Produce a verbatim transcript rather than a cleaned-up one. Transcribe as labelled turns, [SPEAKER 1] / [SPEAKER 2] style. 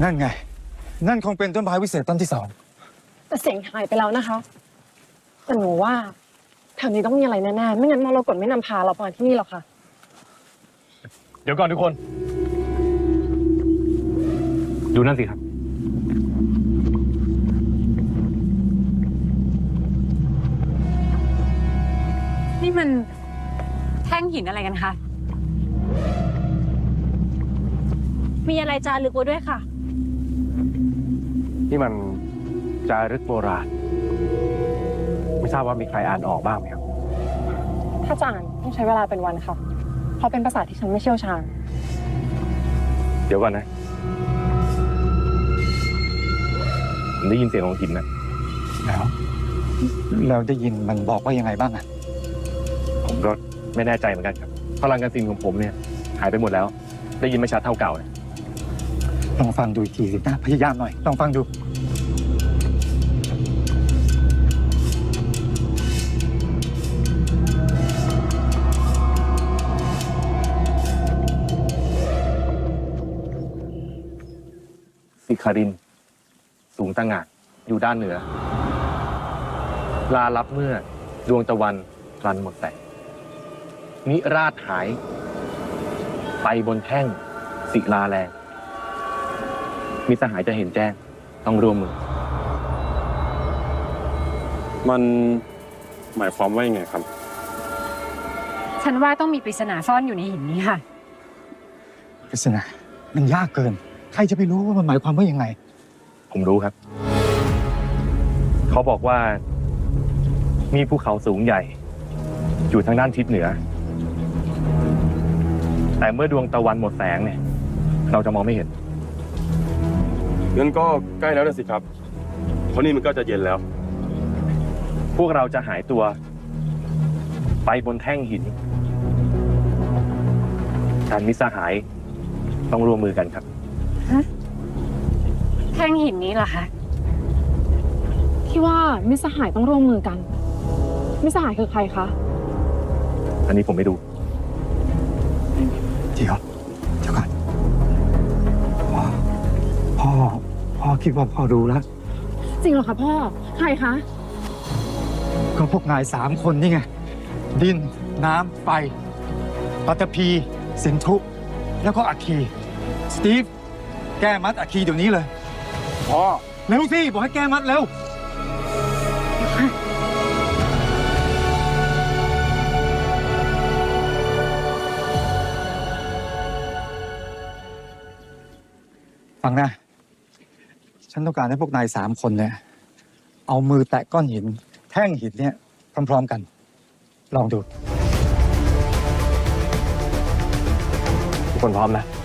[SPEAKER 1] นั่นไงนั่นคงเป็นต้นไม้วิเศษต้นที่สอง
[SPEAKER 2] แต่เสียงหายไปแล้วนะคะแต่หนูว่าแถวนี้ต้องมีอะไรแน่ๆไม่งั้นมรกตไม่นำพาเรามาที่นี่หรอกค่ะ
[SPEAKER 3] เดี๋ยวก่อนทุกคน ดูนั่นสิครับ
[SPEAKER 4] นี่มันแท่งหินอะไรกันคะ
[SPEAKER 5] มีอะไรจารึกไว้ด้วยค่ะ
[SPEAKER 3] นี่มันจารึกโบราณไม่ทราบว่ามีใครอ่านออกบ้างไหมครับ
[SPEAKER 2] ถ้าจะอ่านต้องใช้เวลาเป็นวันค่ะเพราะเป็นภาษาที่ฉันไม่เชี่ยวชาญ
[SPEAKER 3] เดี๋ยวก่อนนะผมได้ยินเสียงของหินนะ
[SPEAKER 1] แล้วแล้วได้ยินมันบอกว่ายังไงบ้างอ่ะ
[SPEAKER 3] ผมก็ไม่แน่ใจเหมือนกันครับพลังการซินของผมเนี่ยหายไปหมดแล้วได้ยินไม่ชัดเท่าเก่าเลย
[SPEAKER 1] ลองฟังดูอีกทีสินะพยายามหน่อยลองฟังดู
[SPEAKER 3] สิคารินสูงตะหง่านอยู่ด้านเหนือลาลับเมื่อดวงตะวันพลันหมดแสงนิราชหายไปบนแท่งศิลาแรงมิสหายจะเห็นแจ้งต้องร่วมมือ
[SPEAKER 6] มันหมายความว่ายังไงครับ
[SPEAKER 4] ฉันว่าต้องมีปริศนาซ่อนอยู่ในหินนี้ค่ะ
[SPEAKER 1] ปริศนามันยากเกินใครจะไปรู้ว่ามันหมายความว่ายังไง
[SPEAKER 3] ผมรู้ครับเขาบอกว่ามีภูเขาสูงใหญ่อยู่ทางด้านทิศเหนือแต่เมื่อดวงตะวันหมดแสงเนี่ยเราจะมองไม่เห็น
[SPEAKER 6] งั้นก็ใกล้แล้วนะสิครับเพราะนี่มันก็จะเย็นแล้ว
[SPEAKER 3] พวกเราจะหายตัวไปบนแท่งหินการมิตรสหายต้องร่วมมือกันครับ
[SPEAKER 4] ฮะแท่งหินนี้เหรอคะ
[SPEAKER 2] ที่ว่ามิตรสหายต้องร่วมมือกันมิตรสหายคือใครคะ
[SPEAKER 3] อันนี้ผมไม่ดู
[SPEAKER 1] เดี๋ยวเดี๋ยวก่อนพ่อพ่อพ่อคิดว่าพ่อรู้แล้ว
[SPEAKER 2] จริงเหรอคะพ่อใครคะ
[SPEAKER 1] ก็พวกนายสามคนนี่ไงดินน้ำไฟปัตภีสินธุแล้วก็อัคคีสตีฟแก้มัดอัคคีเดี๋ยวนี้เลยพ่อเร็วสิบอกให้แก้มัดเร็วฟังนะฉันต้องการให้พวกนายสามคนเนี่ยเอามือแตะก้อนหินแท่งหินเนี่ยพร้อมๆกันลองดู
[SPEAKER 3] ทุกคนพร้อมนะ